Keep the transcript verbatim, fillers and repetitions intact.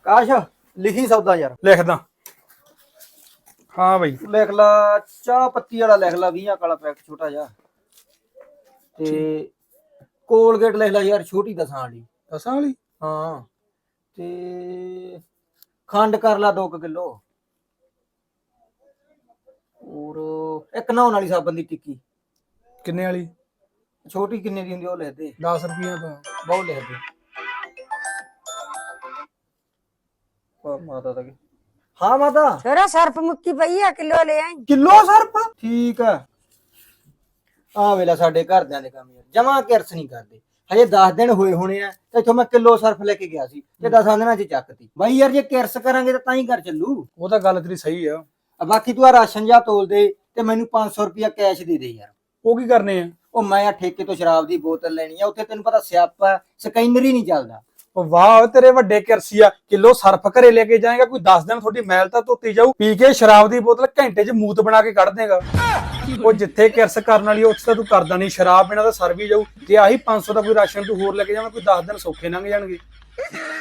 ਕਾਸ਼ ਲਿਖੀ ਸੌਦਾ ਯਾਰ। ਲਿਖਦਾ। ਹਾਂ ਬਈ ਲਿਖ ਲਾ ਚਾਹ ਪੱਤੀ ਵਾਲਾ, ਲਿਖ ਲਾ ਵੀਹ ਵਾਲਾ ਪੈਕ ਛੋਟਾ ਜਿਹਾ, ਤੇ ਕੋਲਗੇਟ ਲਿਖ ਲਾ ਯਾਰ ਛੋਟੀ ਦਸਾਂ ਵਾਲੀ। ਦਸਾਂ ਵਾਲੀ? ਹਾਂ, ਤੇ ਖੰਡ ਕਰ ਲਾ ਦੋ ਕਿਲੋ, ਹੋਰ ਇੱਕ ਨਹਾਉਣ ਵਾਲੀ ਸਾਬਣ ਦੀ ਟਿੱਕੀ। ਕਿੰਨੇ ਵਾਲੀ? ਛੋਟੀ ਕਿੰਨੇ ਦੀ ਹੁੰਦੀ ਉਹ ਲਿਖ ਦੇ। ਦਸ ਰੁਪਈਆ ਤੋਂ ਬਹੁਤ ਲਿਖ ਦੇ। ਮਾਤਾ ਦਾ ਹਾਂ ਮਾਤਾ ਛੋਰਾ ਸਰਪ ਮੁੱਕੀ ਪਈ ਆ, ਕਿਲੋ ਲੈ ਆਈ। ਕਿਲੋ ਸਰਪ? ਠੀਕ ਆ। ਆ ਵੇਲਾ ਸਾਡੇ ਘਰਦਿਆਂ ਦੇ ਕੰਮ ਯਾਰ ਜਮਾ ਕਿਰਸ ਨਹੀਂ ਕਰਦੇ। ਹਜੇ ਦਸ ਦਿਨ ਹੋਏ ਹੋਣੇ ਆ ਤੇ ਇਥੋਂ ਮੈਂ ਕਿਲੋ ਸਰਫ ਲੈ ਕੇ ਗਿਆ ਸੀ ਤੇ ਦਸਾਂ ਦਿਨਾਂ ਚ ਚੱਕਤੀ। ਬਾਈ ਯਾਰ ਜੇ ਕਿਰਸ ਕਰਾਂਗੇ ਤਾਂ ਤਾਂ ਹੀ ਘਰ ਚੱਲੂ। ਉਹ ਤਾਂ ਗੱਲ ਤੇਰੀ ਸਹੀ ਆ। ਬਾਕੀ ਤੂੰ ਆ ਰਾਸ਼ਨ ਜਾ ਤੋਲ ਦੇ ਤੇ ਮੈਨੂੰ ਪੰਜ ਸੌ ਰੁਪਇਆ ਕੈਸ਼ ਦੇ ਦੇ ਯਾਰ। ਉਹ ਕੀ ਕਰਨੇ ਆ? ਉਹ ਮੈਂ ਆ ਠੇਕੇ ਤੋਂ ਸ਼ਰਾਬ ਦੀ ਬੋਤਲ ਲੈਣੀ ਆ, ਉੱਥੇ ਤੈਨੂੰ ਪਤਾ ਸਿਆਪਾ ਸਕੈਨਰ ਹੀ ਨਹੀਂ ਚੱਲਦਾ। ਉਹ ਵਾਹ ਤੇਰੇ ਵੱਡੇ ਕਿਰਸੀ ਆ। ਕਿਲੋ ਸਰਫ ਘਰੇ ਲੈ ਕੇ ਜਾਏਗਾ, ਕੋਈ ਦਸ ਦਿਨ ਤੁਹਾਡੀ ਮੈਲ ਤਾਂ ਧੋਤੀ ਜਾਊ। ਪੀ ਕੇ ਸ਼ਰਾਬ ਦੀ ਬੋਤਲ ਘੰਟੇ ਚ ਮੂਤ ਬਣਾ ਕੇ ਕੱਢ ਦੇਗਾ। ਉਹ ਜਿੱਥੇ ਕਿਰਸ ਕਰਨ ਵਾਲੀ ਉੱਥੇ ਤਾਂ ਤੂੰ ਕਰਦਾ ਨਹੀਂ। ਸ਼ਰਾਬ ਪੀਣਾ ਤਾਂ ਸਰ ਵੀ ਜਾਊ। ਜੇ ਆਹੀ ਪੰਜ ਸੌ ਦਾ ਕੋਈ ਰਾਸ਼ਨ ਤੂੰ ਹੋਰ ਲੈ ਕੇ ਜਾਵਾਂ, ਕੋਈ ਦਸ ਦਿਨ ਸੌਖੇ ਲੰਘ ਜਾਣਗੇ।